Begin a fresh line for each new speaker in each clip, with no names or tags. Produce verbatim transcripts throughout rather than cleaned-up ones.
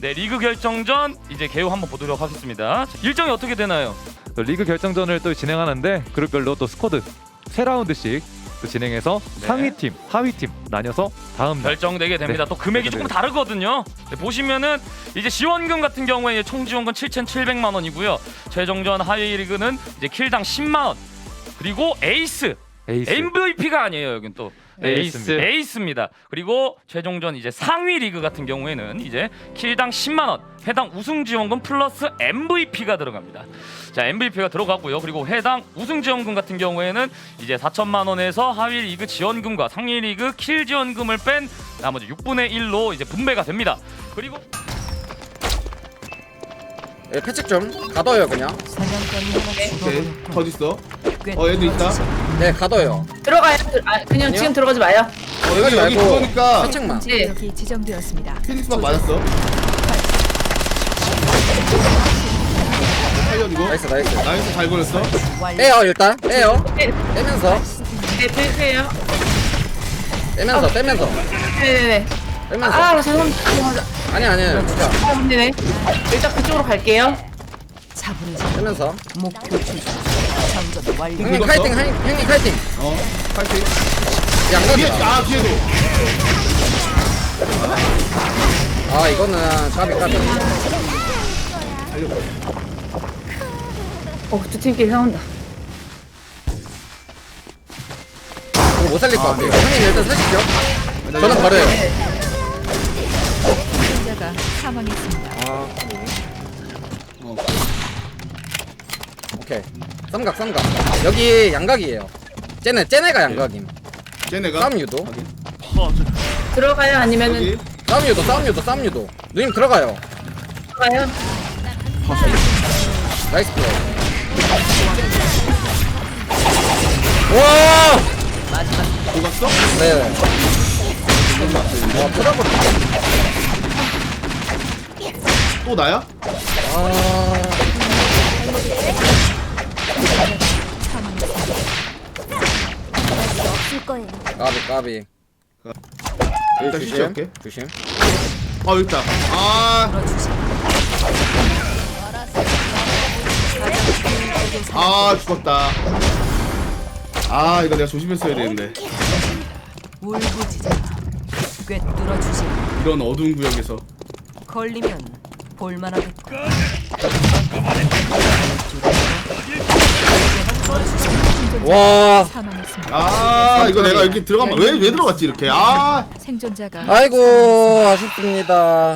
네, 리그 결정전 이제 개요 한번 보도록 하겠습니다. 일정이 어떻게 되나요?
리그 결정전을 또 진행하는데 그룹별로 또 스쿼드 세 라운드씩 또 진행해서
네.
상위팀, 하위팀 나뉘어서 다음 날
결정되게 됩니다.
네.
또 금액이
네,
조금
네.
다르거든요. 네, 보시면은 이제 지원금 같은 경우에 총 지원금 칠천칠백만 원이고요. 최종전 하위 리그는 이제 킬당 십만 원. 그리고 에이스,
에이스.
엠브이피가 아니에요. 여긴 또
에이스.
에이스입니다. 그리고 최종전 이제 상위 리그 같은 경우에는 이제 킬당 십만 원, 해당 우승 지원금 플러스 엠브이피가 들어갑니다. 자, 엠브이피가 들어가고요. 그리고 해당 우승 지원금 같은 경우에는 이제 사천만 원에서 하위 리그 지원금과 상위 리그 킬 지원금을 뺀 나머지 육분의 일로 이제 분배가 됩니다. 그리고
예, 패책 좀 가둬요 그냥.
오케이. 더 있어. 어 얘도 있다.
네 가둬요.
들어가요. 들- 아, 그냥
아니요?
지금 들어가지 마요.
어 여기 여기
말고
그거니까
패책만.
네.
여기 지정되었습니다.
피닉스만 맞았어. 살려주고.
나이스 나이스.
나이스 잘 걸렸어.
빼요 일단 빼요.
네,
빼면서
네, 빼세요.
빼면서 빼면서
네네네.
빼면서.
아, 죄송합니다. 죄송합니다.
아니 아니 진짜
아, 네네. 일단 그쪽으로 갈게요.
차분해져.
빼면서.
목표 추적. 장전 완료.
형님
긁었어?
카이팅 형- 형님 카이팅.
어 파이팅. 뒤에
양각이다.
아 뒤에도.
아 이거는 까비 까비.
어, 두 팀끼리 싸운다.
이거 못 살릴 것 같아요. 형님 일단 사시죠. 저는 버려요.
생존자가 사망했습니다.
아
어.
오케이. 쌈각 쌈각. 여기 양각이에요. 쟤네 쟤네가 양각임.
쟤네가.
싸움 유도.
들어가요? 아니면은
여기.
싸움 유도 싸움 유도 싸움 유도. 누님 들어가요.
들어가요?
나이스 플레이. 와!
녹았어?
네. 와, 터져버렸네.
또 나야?
아. 까비, 까비.
일단
조심,
시작할게.
조심.
아 여기 있다. 아. 아 죽었다. 아 이거 내가 조심했어야 되는데.
울부짖어라. 꿰뚫어 주지.
이런 어두운 구역에서.
걸리면 볼만하겠다.
와.
사망했습니다.
아 이거 내가 이렇게 들어가면 왜 왜 들어갔지 이렇게. 아
생존자가
아이고, 아쉽습니다.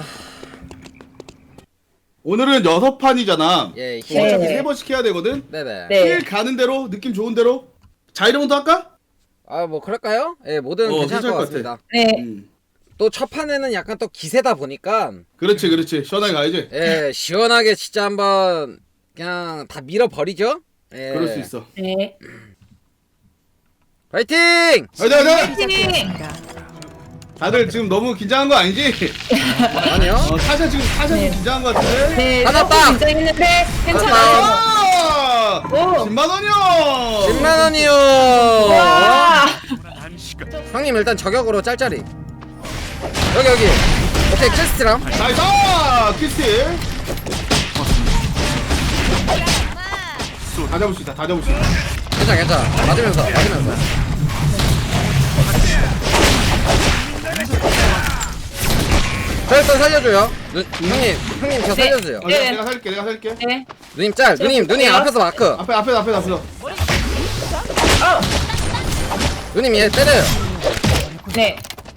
오늘은 여섯 판이잖아.
예,
어, 어차피
네.
세 번씩 해야 되거든.
네네.
네.
힐 가는 대로 느낌 좋은 대로. 자이로운도 할까?
아, 뭐, 그럴까요? 예, 뭐든
어,
괜찮을 것
괜찮을 것
같습니다.
네.
음.
또 첫 판에는 약간 또 기세다 보니까,
그렇지 그렇지 시원하게 가야지.
예, 시원하게 진짜 한번 그냥 다 밀어버리죠? 예.
그럴 수 있어.
네.
파이팅!
가자 가자.
시작됐습니다.
다들 지금 너무 긴장한 거 아니지?
아니요.
어, 사실 지금 사실 좀 긴장한 거 같은데.
네.
하나
조금
딱!
긴장했는데 괜찮아요.
아!
오.
십만 원이요.
십만 원이요!
와.
형님 일단 저격으로 짤짤이. 여기, 여기. 오케이, 킬스트랑.
나이스 키스틸. 다 잡을 수 있다. 다 잡을 수 있다.
괜찮아, 괜찮아. 맞으면서, 맞으면서. 저 일단 살려줘요. 누, 형님, 형님 저
네.
살려주세요.
어, 내가,
네.
내가 살게. 내가 살게.
네.
누님 짤, 누님, 누님 앞에서 마크.
앞에 앞에 앞에 앞에.
어.
누님 얘 때려요.
네.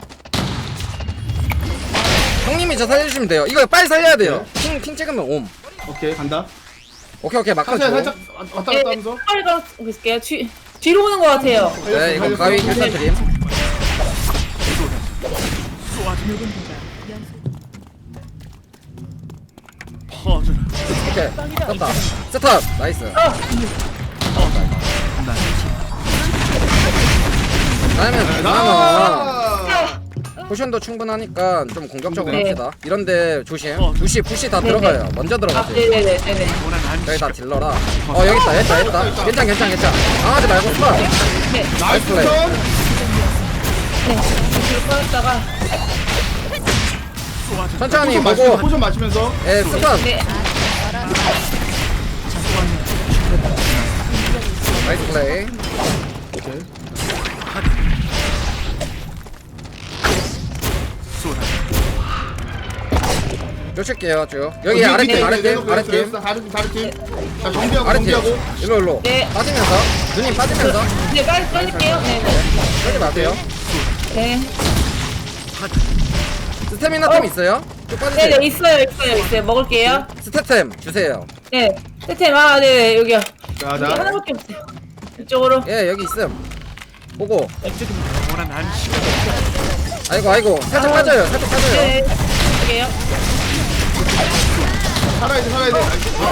형님이 저 살려주시면 돼요. 이거 빨리 살려야 돼요. 핑, 핑 찍으면 옴.
오케이 간다.
오케이, 오케이, 마크
살짝
줘.
살짝 왔다
네.
갔다 하면서.
빨리 가고 있을게요. 뒤 뒤로 오는 것 같아요.
네, 이거 가위 일단 드림. 오케이, 떴다. 세탑, 나이스. 다음엔 그나마
나.
포션도 충분하니까 좀 공격적으로
네.
합시다. 이런데 조심. 푸시, 푸시 다
네,
들어가요. 먼저
아,
들어가세요.
네네네. 네네.
여기 다 딜러라. 어, 여기 있다, 여기 있다, 여기 있다. 괜찮, 괜찮, 괜찮. 당하지 말고 스파.
네.
나이스
플레이.
턴.
네. 뒤로 빠졌다가
천천히
포션 마시면서
보고.
포션 마시면서
예, 스턴.
네.
나이스 플레이.
오케이.
쫓을게요 쭉. 여기
어,
아래팀
네, 네,
아래팀
네, 네,
아래팀
네, 다른 팀 다른 팀. 자 정비하고
아래팀.
정비하고.
일로 일로.
네.
빠지면서 누님 빠지면서
네, 빨리 빨리게요. 네,
하지 마세요.
네. 네.
스태미나
어.
템 있어요? 쭉
네,
빠지세요.
네, 있어요, 있어요, 있어요. 먹을게요.
스태템 주세요.
네. 세템 아, 네, 네, 여기요.
자
여기
자.
하나밖에 없어요. 이쪽으로.
예 여기 있음. 보고. 아이고 아이고 살짝
아.
빠져요. 살짝 빠져요.
네. 여기요.
살아야 돼 살아야 돼.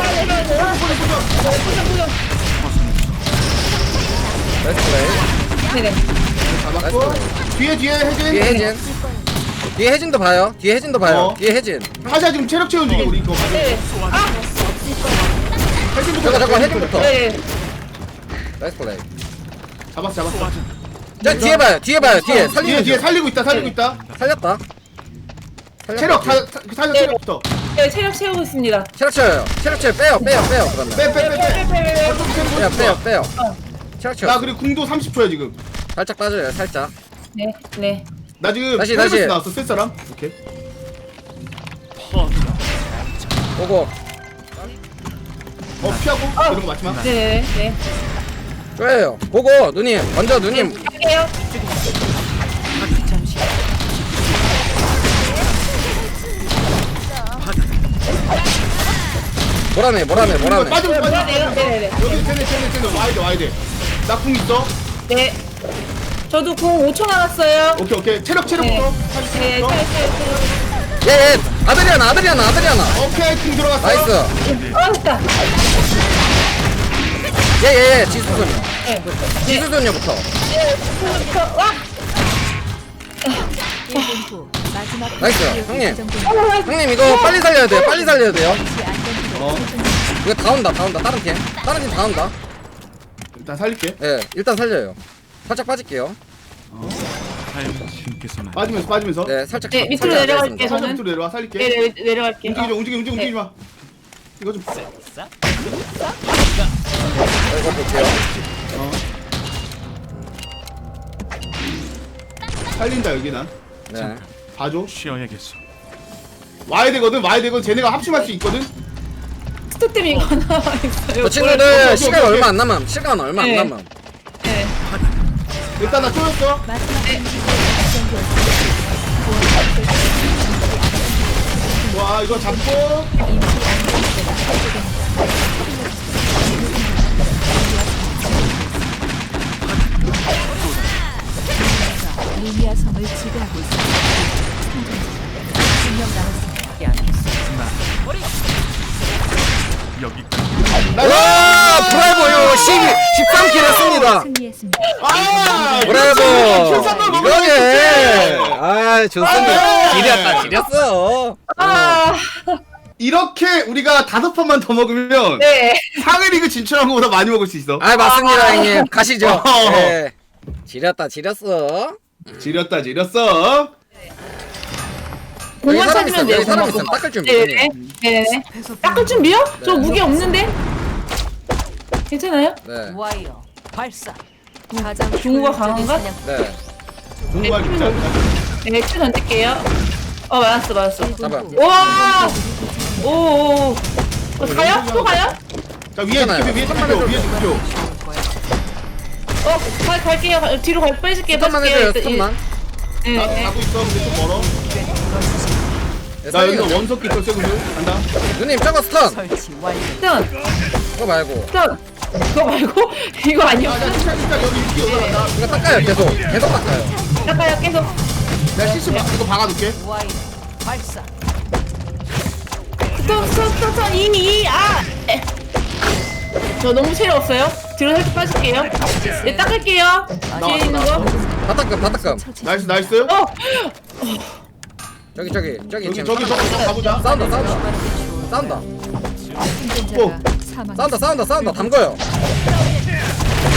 나이스 플레이.
네, 네.
잡았고. 뒤에 뒤에 해진.
뒤에 해진. 뒤에 해진도 봐요. 뒤에 해진도 봐요.
어.
뒤에 해진.
하자 지금 체력 채운 중이야 우리 이거.
네. 아,
해진부터
잠깐 잠깐
잡자,
해진부터.
네.
나이스 플레이.
잡았어 잡았어.
자 뒤에 봐요. 뒤에 봐요. 뒤에
뒤에
살리는
뒤에
중.
살리고 있다 살리고 있다.
살렸다. 살렸다.
체력 사 사자
네.
체력부터.
네, 체력 채우고 있습니다.
체력 쳐요. 체력 쳐요. 빼요. 빼요. 빼요. 그러면.
빼 빼 빼 빼.
빼빼빼빼.
빼요. 빼요. 빼요. 체력 쳐.
나 그리고 궁도 삼십 초야 지금.
살짝 빠져요. 살짝.
네, 네.
나 지금
다시,
헬멧
다시.
나왔어 쓸 사람. 오케이.
보고.
어 피하고 이런 거 맞지 마.
네, 네, 네.
쪼여요. 보고 누님. 먼저 누님.
할게요.
잠시
뭐라네. 뭐라네. 뭐라네.
빠지면
네,
빠지면
네, 네, 네, 네.
여기 쟤네 쟤네 쟤네 와야 돼 와야 돼. 나 궁 있어.
네. 저도 공 오 초 남았어요.
오케이 오케이 체력 체력부터.
네, 네, 체력, 체력,
예, 예. 아드리아나. 아드리아나. 아드리아나.
오케이 궁 들어갔어.
나이스.
체력. 아, 됐다.
예, 예, 예. 지수소녀.
네.
지수소녀부터.
네, 처음부터, 와!
일 분 후 마지막
나이스.
기억이
형님.
지정됩니다.
형님 이거 빨리 살려야 돼요. 빨리 살려야 돼요.
혹시 안전지대
어.
이거 다 온다. 다 온다. 다른 팀. 다른 팀 다 온다.
일단 살릴게.
예, 일단 살려요. 살짝 빠질게요.
빠지면서 빠지면서.
네, 살짝.
네, 밑으로
살짝
내려갈게요.
앉아있습니다.
살짝
저는.
밑으로 내려와 살릴게.
네, 네, 내려갈게요.
움직이지 마, 움직이 움직이
네.
움직이지 마. 이거 좀
이거 볼게요.
살린다 여기 난.
네.
봐줘.
쉬어야겠어.
와야 되거든 와야 되거든 쟤네가 합심할 수 있거든.
스톱템 이거 하나 있어요.
저 친구들
오케이,
시간
오케이.
얼마 안 남음. 시간 얼마 안
네.
남음.
네.
일단 나 쪼였어.
마지막
네.
와 이거 잡고.
루미아 섬을 지배하고 있습니다. 분명 남았습니다.
여기
와, 브라보요. 십삼 킬 했습니다.
승리했습니다.
아
브라보.
킬삼만 먹으면
이거게.
좋지.
아, 좋습니다.
아.
지렸다. 지렸어.
아,
이렇게 우리가 다섯 판만 더 먹으면
네.
상위 리그 진출한 것보다 많이 먹을 수 있어.
아, 맞습니다, 형님. 가시죠.
어.
예. 지렸다. 지렸어.
지렸다 지렸어.
여기
공만
사람
찾으면
있어.
돼요.
여기 사람
공만.
있어. 닦을 준비.
네, 네.
형님.
네, 네. 닦을 준비요? 저
네.
무게 없는데? 괜찮아요?
네.
와이어 발사. 가장
중국어
효율적인
강한가?
사냥
네.
중국말
네,
진짜.
네, 큐 던질게요. 어, 맞았어, 맞았어.
잡아.
와! 오, 오, 오. 어, 가요? 또 가요?
자 위에
괜찮아요.
위에 득표 위에 득표.
어, 가, 갈게요. 가- 뒤로 갈, 빼줄게요,
스톱만
빼줄게요.
해줘요. 스톱만.
네,
나
네.
가고 있어. 근데 좀 멀어.
네,
나 여기서
살리는
원석 기터 세구들 간다.
누님 저거 스턴.
설치 완료.
스턴,
그거 말고.
스턴. 그거 말고? 이거 아니요.
아, 나 진짜 진짜 여기 위기 올라간다.
이거 닦아요. 계속. 계속 닦아요.
닦아요, 계속.
내가 실수 막 이거 박아둘게.
와이어 발사.
스톱, 스톱, 스톱, 스톱. 이, 이, 아! 에. 저 너무 체력 없어요. 뒤로 살짝 빠질게요. 네, 닦을게요. 뒤에 있는 거.
다 닦음. 다 닦음.
나이스 나이스.
어!
저기 저기 저기
여기
지금
저기 저기 저기 가보자.
싸운다 싸운다 싸운다
생존자가 사망.
싸운다 싸운다 싸운다 담궈요.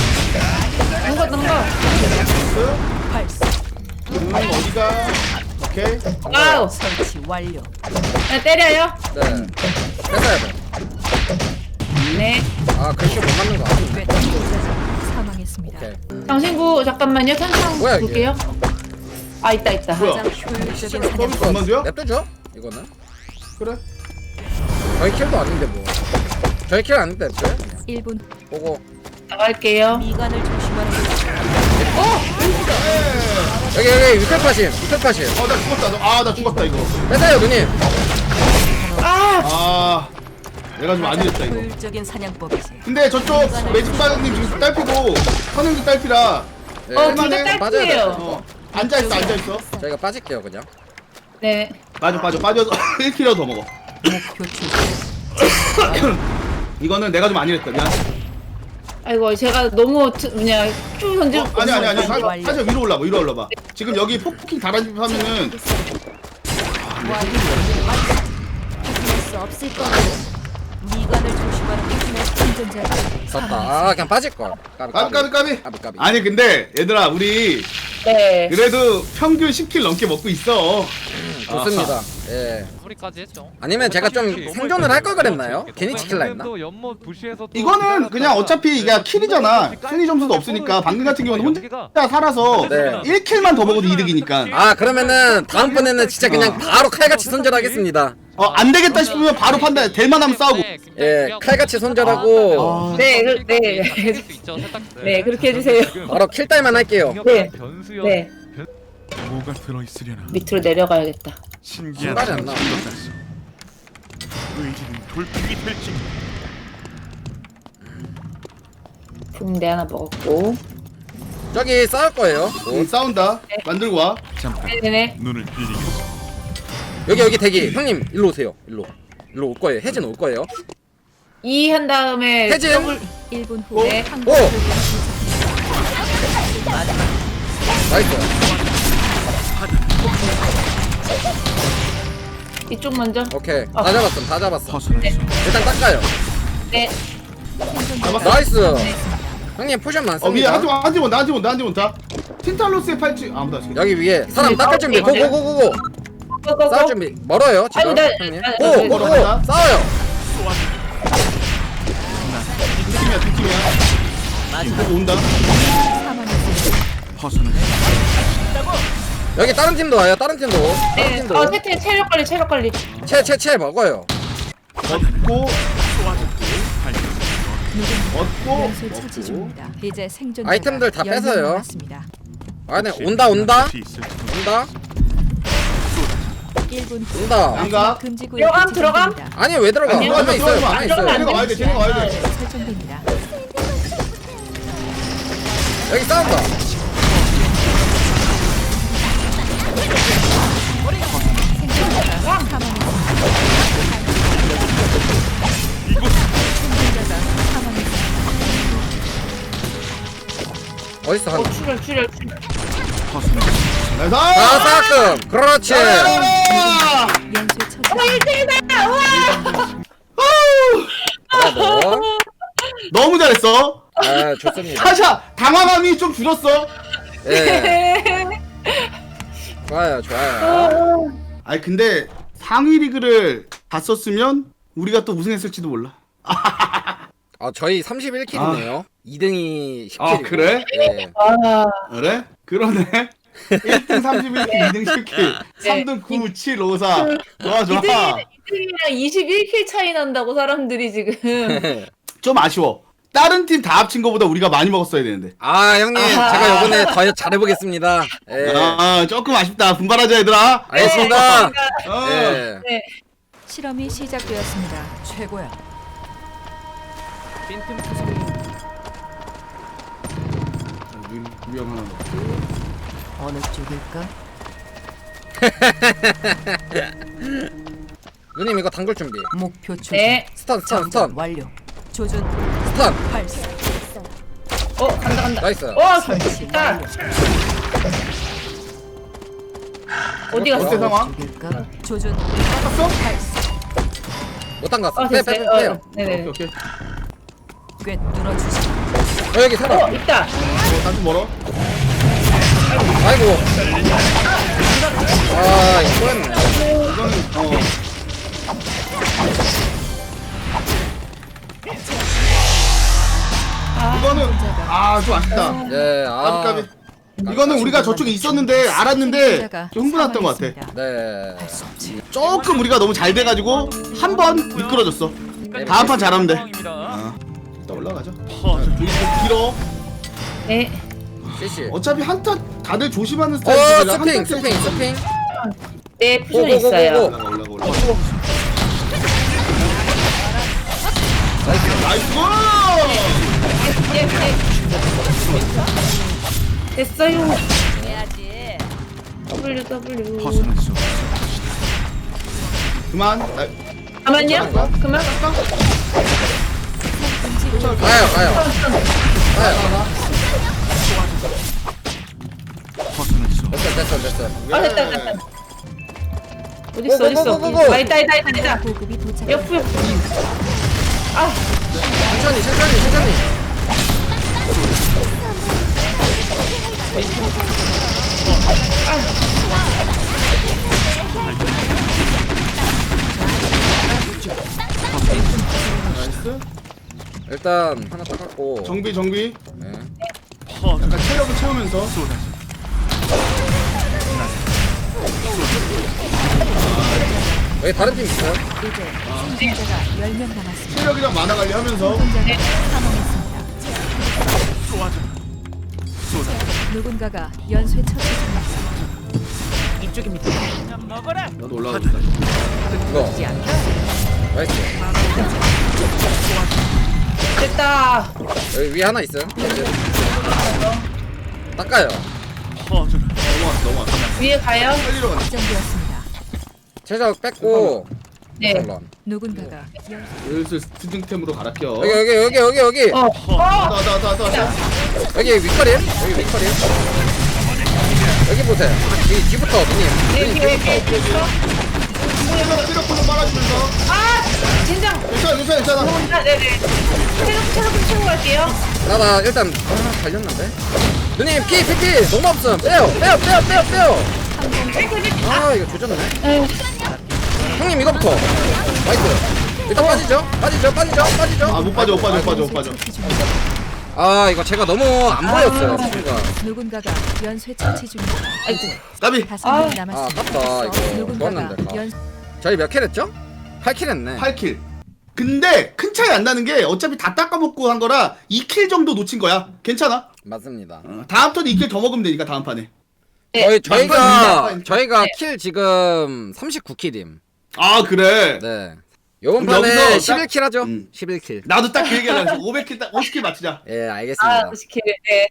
넘가, 넘가.
발사.
음 어디가? 오케이.
와우.
설치 완료.
네, 때려요.
네. 뺏어야 돼.
네.
아 글씨 못 맞는 거 아니네.
꽤 생존자가 사망했습니다.
오케이.
당신구 잠깐만요. 탄창
뭐야, 이게?
볼게요. 아 있다 있다.
뭐야?
가장 효율적인
서비스
사냥.
얼마인데요?
냅두죠? 이거는.
그래.
저희 킬도 아닌데 뭐. 저희 킬 아닌데 냅둬요?
일 분
보고.
나갈게요.
미간을 조심하는 게
여기 여기 위클파심 위클파심.
어, 나 죽었다. 아, 나 죽었다 이거.
뺏어요 누님.
아
아, 내가 좀 안
가장
이겼다 이거.
효율적인 사냥법이지.
근데 저쪽 매직 바닥님 지금 딸피고 선생님 딸피라.
네.
어, 둘 다
할만해?
딸피예요.
어, 앉아 있어, 앉아 있어.
저희가 빠질게요 그냥.
네.
빠져, 빠져, 빠져서 일 킬로 더 먹어.
목표 출전.
이거는 내가 좀 안 이겼다. 미안.
아이고 제가 너무 트- 그냥 쭉 던지고.
어, 아니 아니 아니. 사-
완료.
살짝 위로 올라봐, 위로 올라봐. 지금 여기 폭킹 달아주면은
할 수 없을 거야. 미간을 조심하는 게 생존자가
졌다. 아 그냥 빠질 걸. 까비
까비 까비 까비.
까비 까비.
아니 근데 얘들아 우리
네.
그래도 평균 십 킬 넘게 먹고 있어.
좋습니다. 예.
마무리까지 했죠.
아니면 제가 좀 생존을 할 걸 그랬나요? 괜히 지킬라 했나?
이거는 그냥 어차피 이게 킬이잖아. 순위 점수도 없으니까 방금 같은 경우는 혼자 살아서
네.
일 킬만 더 먹어도 이득이니까.
아 그러면은 다음번에는 진짜 그냥 바로 칼같이 손절하겠습니다.
어, 안 되겠다 싶으면 바로 판단. 될 만하면 싸우고.
예, 칼같이 손절하고
네, 그, 네. 네, 그렇게 해주세요.
바로 킬딸만 할게요.
네.
변수요.
네.
뭐가 들어있으려나
밑으로 내려가야겠다.
신기한
신발이 안 나와.
의지는 돌풍이 될지
붕대 하나 먹었고.
저기 싸울 거예요.
응, 싸운다. 만들고 와.
잠깐
네네.
눈을 비리겠어.
여기 여기 대기. 형님 일로 오세요. 일로. 일로 올 거예요. 혜진 올 거예요.
이 한 다음에
혜진.
일 분
어?
후에
오!
항공
나이스.
이쪽 먼저.
오케이. 다 잡았음. 다 잡았어.
벗어날 수 없어.
일단 닦아요.
네.
나이스. 형님 포션
어 위에
많습니다.
한지 원, 한지 원, 나한지 원, 나한지 원 다. 틴탈로스의 팔찌 아무도 안 쓰겠다.
여기 위에 사람 닦을 준비. 고고고고고. 싸울
고고고.
준비. 멀어요 지금.
아이고, 나-
형님.
나-
고
나-
고고.
나-
싸워요.
뒷팀이야, 뒷팀이야. 이거 온다.
사망했습니다.
벗어날 수
여기 다른 팀도 와요. 다른 팀도. 다른
네.
팀도.
어, 채채 체력 관리, 체력 관리.
채채채 먹어요.
얻고, 얻고,
연쇄 처치
얻고.
중입니다. 이제 생존자가
아이템들 다
열 명
뺏어요.
남았습니다.
아, 네 온다 온다
없이 있을 텐데.
온다
일 분 후
온다.
아닌가?
금지 구역이
들어감, 들어감.
지정됩니다.
아니 왜 들어가?
아니요,
가만 있어요.
들어가면
가만
안
있어요.
들어가면
쟤네가 와야 돼, 쟤네가 와야 돼.
설정됩니다.
여기 싸운다.
생존자가 사망했습니다. 생존자가 사망했습니다.
어딨어 한?
어, 출혈, 출혈, 출혈.
벗어날 수 없어.
나이스!
아 싸끔. 그렇지.
아!
연쇄 처치.
브라보.
너무 잘했어.
아 좋습니다.
사샤 당황함이 좀 줄었어.
예. 좋아요 좋아요.
아니 근데 상위 리그를 갔었으면 우리가 또 우승했을지도 몰라.
아 저희 삼십일 킬이네요. 이 등이 십 킬이고.
아, 그래?
예.
아,
그래? 그러네. 일 등 삼십일 킬, 이 등 십 킬, 삼 등 구, 칠, 오, 사. 좋아 좋아.
이등이랑 이십일 킬 차이 난다고 사람들이 지금.
좀 아쉬워. 다른 팀 다 합친 거보다 우리가 많이 먹었어야 되는데.
아 형님
아하.
제가 요번에 더 잘해보겠습니다. 예.
아 조금 아쉽다. 분발하자 얘들아.
알겠습니다.
어.
예.
네.
실험이 시작되었습니다. 최고야.
빈틈 투수.
유형 하나 넣고.
어느 쪽일까?
누님 이거 당글 준비.
목표 조준.
네.
스턴 스턴
작전
스턴
완료. 조준
스턴.
발사.
어, 간다, 간다.
나이스.
어,
설치
좋다.
완료.
어디
어때
갔어?
상황?
쪽일까? 조준
땄어?
발사.
못 당갔어.
어,
빼, 빼,
됐어요.
빼, 빼요.
어, 네네.
오케이 오케이.
꽤 뚫어주시.
어, 여기 사람.
어, 있다.
어, 단좀 멀어.
아이고. 아 이거 꼬였네.
이거는 어. 이거는 아 좀 아쉽다.
예,
까비
아.
까비. 이거는 우리가 저쪽에 있었는데 알았는데 좀 흥분했던 것 같아.
네.
조금 우리가 너무 잘 돼가지고 한 번 미끄러졌어. 다음 판 잘하면 돼.
상황입니다.
아, 일단 올라가자.
퍼져.
여기 좀 길어.
네.
씨씨.
어차피 한타 다들 조심하는
어,
스타일이라
스핑,
한타
스핑, 스핑.
네, 푸션
고고고고고.
있어요.
올라가 올라가 올라가. 나이스 고!
예, 예. 됐어요. W W.
벗어날 수 없어.
그만. 아,
잠깐만요. 그만.
가요, 가요. 가요.
벗어날 수 없어.
됐어, 됐어, 됐어.
아 됐다 됐다. 어디 있어 어디 있어?
고고고고고.
아 있다 있다 있다 있다.
보급이 도착.
옆 옆. 아
천천히, 천천히, 천천히.
나이스.
일단 하나 닦았고.
정비 정비.
네.
퍼져.
약간 체력을 채우면서.
쏟아져.
여기 다른 팀 있어요?
이제 생존자가 열 명 남았습니다.
체력이랑 만화 관리하면서.
생존자가 사망했습니다.
쏟아져. 쏟아져.
누군가가 연쇄 처치 중입니다.
나도 올라가겠다.
이거. 나이스.
됐다.
여기 위에 하나 있어요? 닦아요.
퍼져라.
넘어왔어 넘어왔어.
위에 가요.
살리러 가자.
확정되었습니다.
최적 뺐고.
네.
물론.
누군가가 연
슬슬 스팅템으로 갈아 껴.
여기, 여기, 여기, 여기, 여기.
어. 어.
나나나나
여기 윗거리? 여기 윗거리? 여기 보세요. 이 뒤부터, 누님.
네,
누님
뒤에
뒤부터.
뒤에 있어.
체력 체력 좀 빨아주면서.
아 진정.
괜찮아 괜찮아 괜찮아.
아 네네. 체력 체력 좀 채우고 갈게요.
나, 나, 일단, 아, 달렸는데? 누님, 피, 피, 피! 너무 없음! 빼요! 빼요! 빼요! 빼요! 빼요! 아, 이거 조졌네.
에휴.
형님, 이거부터. 나이스. 일단 빠지죠? 빠지죠? 빠지죠? 빠지죠?
아 못 빠져 못 빠져 못 빠져 못 빠져.
처치 중입니다.
아, 이거 제가 너무 안 보였어요, 스피가.
누군가가 연쇄 처치 중입니다.
아이고.
까비.
다섯
아.
명
아,
남았습니다.
아깝다, 이거.
누군가가
좋았는데. 아.
연
저희 몇 킬 했죠? 팔 킬 했네.
팔 킬. 근데 큰 차이 안 나는 게 어차피 다 닦아먹고 한 거라 이 킬 정도 놓친 거야. 괜찮아.
맞습니다.
어, 다음 턴에 이 킬 더 먹으면 되니까 다음 판에.
저희, 저희가,
막판이네.
저희가
네.
킬 지금 삼십구 킬임.
아 그래.
네. 요번
그럼
판에
여기서
십일 킬 하죠?
음.
십일 킬.
나도 딱 그 얘기하려고 했어. 오백 킬 딱 오십 킬 맞추자.
예,
아
알겠습니다.
무식해. 네.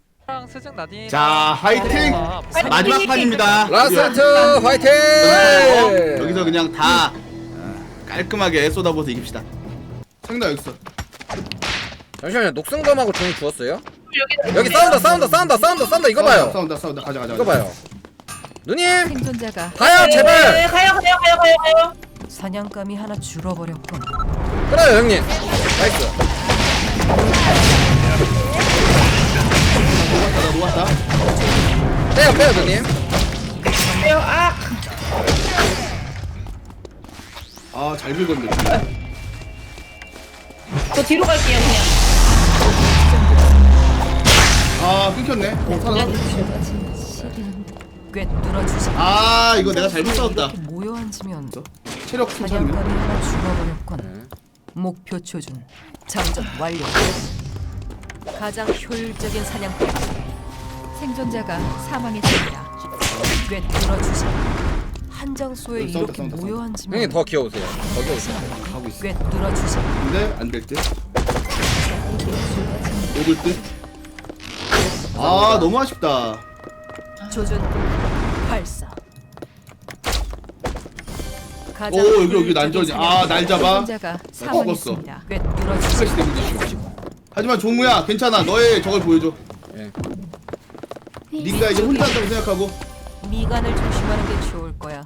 자 화이팅. 마지막 판입니다.
라스트 화이팅!
어, 여기서 그냥 다 어, 깔끔하게 쏟아부어서 이깁시다. 상당 여기 있어.
잠시만요. 녹슨검하고 종이 주웠어요?
여기
여기 싸운다, 싸운다, 싸운다, 싸운다, 싸운다. 이거 봐요.
싸운다 싸운다 가자 가자.
이거
가자.
봐요. 누님,
생존자가
가요,
네,
제발.
가요 가요 가요 가요 가요.
사냥감이 하나 줄어버렸군.
그래요, 형님. 나이스.
나 놓았다.
빼요, 빼요, 누님.
가요. 아.
아잘 긁었네.
저 뒤로 갈게요 그냥.
아 끊겼네. 어 살았어.
꿰뚫어 주시.
아 이거 내가 잘못 싸웠다.
이렇게 모여 앉으면
체력 괜찮으면.
사냥감이 하나 죽어버렸군. 목표 조준. 장전 완료. 가장 효율적인 사냥법. 생존자가 사망했습니다. 꿰뚫어 주시. 한정소에
싸운다,
이렇게
싸운다,
모여
형님
앉으면
더 귀여우세요. 더 귀여우세요.
가고 있어.
꿰뚫어 주시.
근데 안 될 듯. 녹을 듯. 아 너무 아쉽다.
조준 발사. 가장
오, 여기, 여기
효율적인
난전이야. 아, 날 잡아.
생존자가 사망했습니다. 꿰뚫어
스트레스
주시.
때문에 지금. 하지만 종무야 괜찮아. 너의 저걸 보여줘.
예.
네가 이제 혼자 한다고 생각하고.
미간을 조심하는 게 좋을 거야.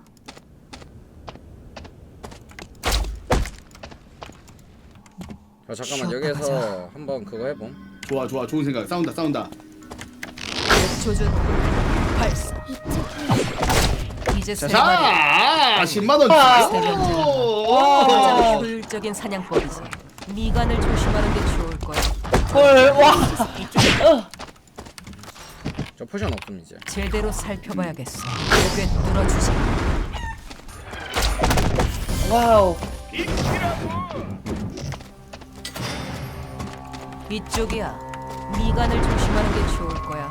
자, 잠깐만
쉬었다
여기에서
가자.
한번 그거 해봄.
좋아 좋아 좋은 생각. 싸운다 싸운다.
조준 발사. 이제 이제 세 마리.
자, 십만 원
와.
주세요.
가장 효율적인 사냥법이지. 미간을 조심하는 게 좋을 거야.
헐, 와.
저 포션 없음 이제.
제대로 살펴봐야겠어. 꿰뚫어 주지.
와우.
이쪽이야. 미간을 조심하는 게 좋을 거야.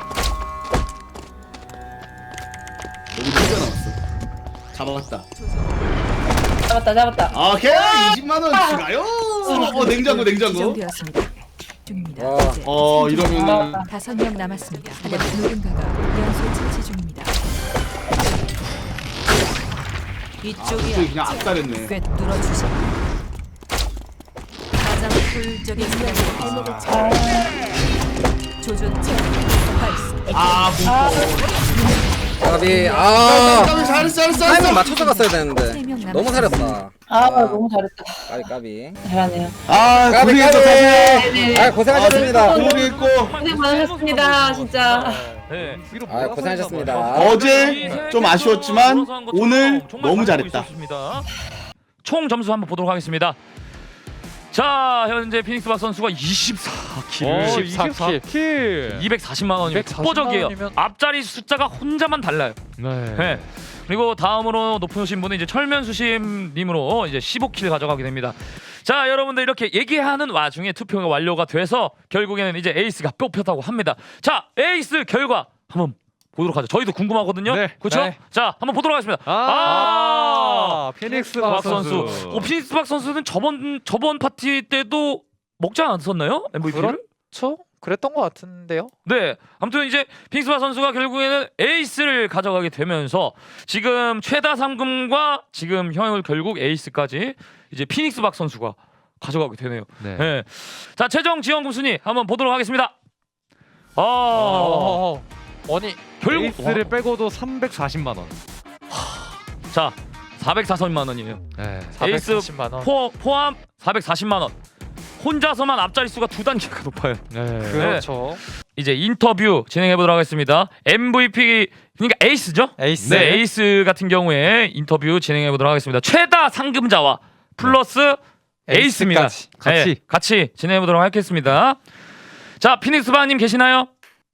여기 진짜 남았어. 잡아갔다.
잡았다, 잡았다.
오케이, 이십만 원 추가요. 어, 냉장고, 냉장고.
지정되었습니다. 중입니다.
와.
이제
어, 이러면은
다섯 명 남았습니다. 하지만 누군가가 연쇄 처치 중입니다.
저기
이쪽이야.
그냥 악달했네.
꿰뚫어 주지. 가장 효율적인 사냥법.
아,
조준 발사.
아,
까비. 아.
잘했어, 잘했어,
타이밍
잘했어.
맞춰서 갔어야 되는데. 너무 잘했다.
아, 너무 잘했다.
까비 까비.
잘하네요.
아,
까비
고생했어,
까비.
사실.
아 고생하셨습니다.
고생했고.
고생 많으셨습니다, 진짜.
네.
아 고생하셨습니다.
어제 좀 아쉬웠지만 오늘 너무 잘했다.
총 점수 한번 보도록 하겠습니다. 자, 현재 피닉스 박 선수가 이십사 킬,
어, 이십사 킬.
이백사십만 원이면 독보적이에요.
이면-
앞자리 숫자가 혼자만 달라요.
네.
네. 그리고 다음으로 높으신 분은 이제 철면수심님으로 이제 십오 킬 가져가게 됩니다. 자, 여러분들 이렇게 얘기하는 와중에 투표가 완료가 돼서 결국에는 이제 에이스가 뽑혔다고 합니다. 자, 에이스 결과 한번 보도록 하죠. 저희도 궁금하거든요.
네.
그렇죠?
네.
자, 한번 보도록 하겠습니다.
아, 피닉스
박
박
선수.
선수.
어, 피닉스 박 선수는 저번 저번 파티 때도 먹지 않았었나요? 엠브이피를?
그렇죠? 그랬던 것 같은데요.
네. 아무튼 이제 피닉스 박 선수가 결국에는 에이스를 가져가게 되면서 지금 최다 상금과 지금 형 결국 에이스까지 이제 피닉스 박 선수가 가져가게 되네요.
네.
네. 자, 최종 지원금 순위 한번 보도록 하겠습니다. 아,
어, 아니
결국
에이스를 빼고도 삼백사십만 원.
자, 사백사십만 원이에요.
네.
에이스
사백사십만 원.
포, 포함 사백사십만 원. 혼자서만 앞자리 수가 두 단계가 높아요.
네.
그렇죠.
이제 인터뷰 진행해 보도록 하겠습니다. 엠브이피 그러니까 에이스죠?
에이스.
네, 에이스 같은 경우에 인터뷰 진행해 보도록 하겠습니다. 최다 상금자와 플러스 에이스입니다.
에이스까지.
같이.
네, 같이 진행해 보도록 하겠습니다. 자, 피닉스 바님 계시나요?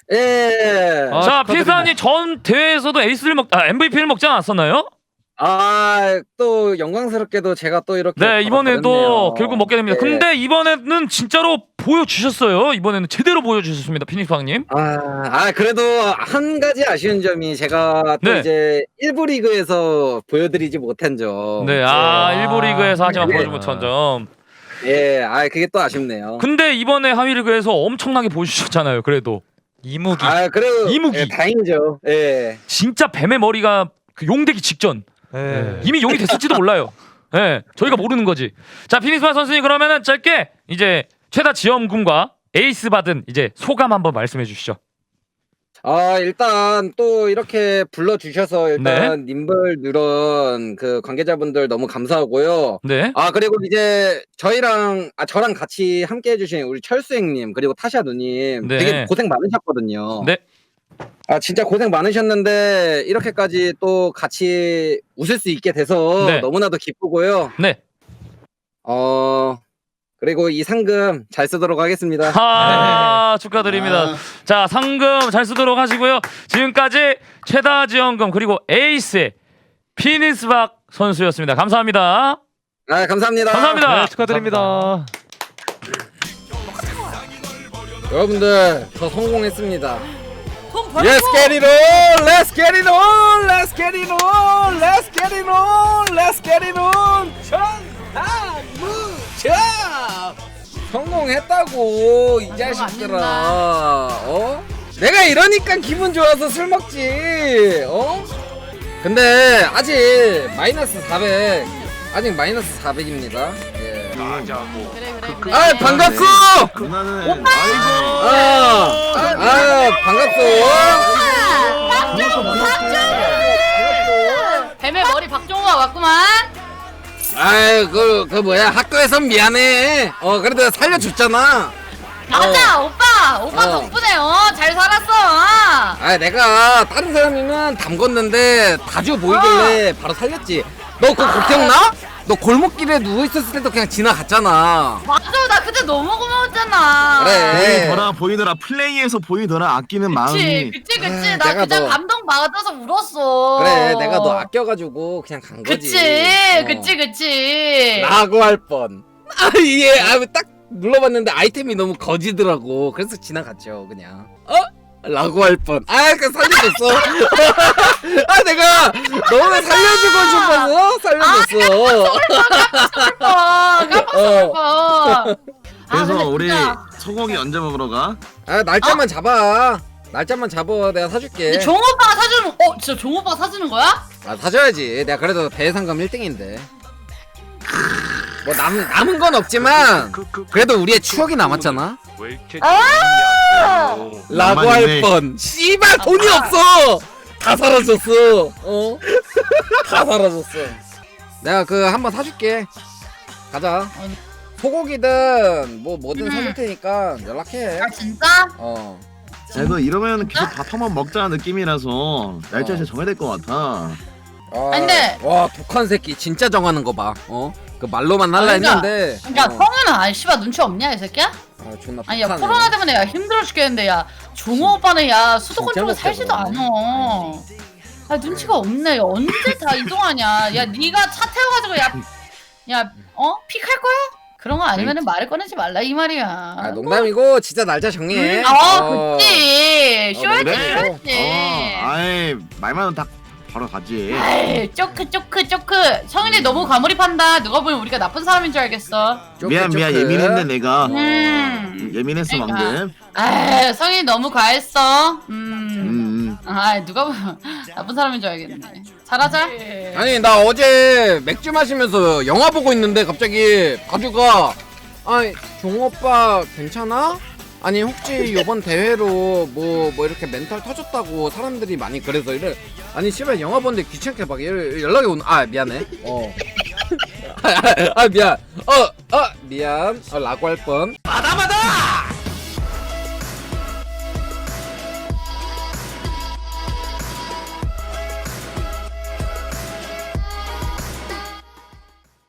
예.
아,
자,
축하드립니다.
피닉스 바님 전 대회에서도 에이스를 먹, 아, 엠브이피를 먹지 않았었나요?
아 또 영광스럽게도 제가 또 이렇게
네, 이번에도
받았네요.
결국 먹게 됩니다.
네.
근데 이번에는 진짜로 보여주셨어요. 이번에는 제대로 보여주셨습니다, 피닉스 바님.
아, 아 그래도 한 가지 아쉬운 점이 제가 또
네.
이제 일부 리그에서 보여드리지 못한 점.
네, 아, 일부 리그에서 하지만
네.
보여주지 못한 점.
예, 아 그게 또 아쉽네요.
근데 이번에 하위 리그에서 엄청나게 보여주셨잖아요. 그래도
이무기.
아 그래도
이무기.
예, 다행이죠. 예.
진짜 뱀의 머리가 그 용되기 직전
네.
이미 용이 됐을지도 몰라요. 예, 네, 저희가 모르는 거지. 자, 피닉스바 선수님 그러면은 짧게 이제 최다 지원금과 에이스 받은 이제 소감 한번 말씀해 주시죠.
아 일단 또 이렇게 불러주셔서 일단
네.
님벌 누런 그 관계자분들 너무 감사하고요.
네.
아 그리고 이제 저희랑 아 저랑 같이 함께 해주신 우리 철수행님 그리고 타샤 누님
네.
되게 고생 많으셨거든요.
네.
아 진짜 고생 많으셨는데 이렇게까지 또 같이 웃을 수 있게 돼서
네.
너무나도 기쁘고요.
네.
어 그리고 이 상금 잘 쓰도록 하겠습니다.
아, 축하드립니다.
아.
자, 상금 잘 쓰도록 하시고요. 지금까지 최다 지원금 그리고 에이스의 피닉스박 선수였습니다. 감사합니다.
아 감사합니다.
감사합니다.
네, 축하드립니다.
여러분들 저 성공했습니다. Let's get it on! Let's get it on! Let's get it on! Let's get it on! Let's get it on! 천하무적! 성공했다고 이 자식들아. 어? 내가 이러니까 기분 좋아서 술 먹지. 어? 근데 아직 마이너스 사백. 아직 마이너스 사백입니다. 예. 아 반갑소!
누나는
아, 아 반갑소.
뱀의 머리 박종호가 왔구만.
아이 그, 그 뭐야 학교에선 미안해. 어 그래도 살려줬잖아.
맞아 오빠 오빠
어.
덕분에 어 잘 살았어.
아 내가 다른 사람이면 담궜는데 다주 보이길래 바로 살렸지. 너 그거 기억나? 너 골목길에 누워있었을 때도 그냥 지나갔잖아.
맞아 나 그때 너무 고마웠잖아.
그래.
보이더라 보이더라 플레이에서 보이더라 아끼는
그치
마음이.
그치 그치
아,
나
내가
그냥
너-
감동 받아서 울었어.
그래 내가 너 아껴가지고 그냥 간 거지.
그치
어.
그치 그치.
라고 할 뻔. 아 이게 아딱 눌러봤는데 아이템이 너무 거지더라고. 그래서 지나갔죠 그냥. 어? 라고 할 뻔. 아, 그 살려줬어. 아, 내가 너무 살려주고 싶어서 살려줬어.
깜빡 깜빡 깜빡.
그래서 우리 소고기 언제 먹으러 가?
아, 날짜만 잡아. 날짜만 잡아. 내가 사줄게.
종 오빠가 사주는 어 진짜 종 오빠가 사주는 거야?
아, 사줘야지. 내가 그래도 대상금 일 등인데. 뭐 남, 남은 건 없지만 그래도 우리의 추억이 남았잖아. 라고 할
남았네.
뻔. 씨발 돈이 없어. 다 사라졌어. 어? 다 사라졌어. 내가 그 한번 사줄게. 가자. 소고기든 뭐 뭐든
음.
사줄 테니까 연락해.
아 진짜?
어.
그래도 이러면 계속 밥 한번 먹자는 느낌이라서 날짜 이제 정해야 될 것 같아.
아,
근데-
와 독한 새끼 진짜 정하는 거 봐. 어? 그 말로만 할라
그러니까-
했는데.
그러니까
어.
성우는 아니 씨발 눈치 없냐 이 새끼야?
아 존나
아니 야
독하네.
코로나 때문에 야 힘들어 죽겠는데 야 종호 오빠는 야 수도권
진짜
쪽에
못해,
살지도
그거는.
않아. 아 눈치가 없네. 야, 언제 다 이동하냐? 야 네가 차 태워가지고 야, 야 어? 픽할 거야? 그런 거 아니면은 말을 꺼내지 말라 이 말이야.
아 농담이고 진짜 날짜 정해.
음, 어, 그치.
어,
쇼였지,
그래.
쇼였지.
어, 아이 말만 딱 바로 가지.
아이, 쪼크, 쪼크, 쪼크. 성인이 너무 과몰입한다. 누가 보면 우리가 나쁜 사람인 줄 알겠어.
쪼크,
미안 미안
쪼크.
예민했네 내가.
음.
예민했어
그러니까.
방금.
아, 성인이 너무 과했어. 음.
음.
아, 누가 보면 나쁜 사람인 줄 알겠네. 잘하자.
아니 나 어제 맥주 마시면서 영화 보고 있는데 갑자기 바주가 아니 종오빠 괜찮아? 아니 혹시 요번 대회로 뭐 뭐 이렇게 멘탈 터졌다고 사람들이 많이 그래서 이래. 아니 씨발 영화 보는데 귀찮게 막 연- 연락이 오는. 아 미안해. 어. 아, 아 미안. 어 어 미안. 어 라고 할 뻔. 마다마다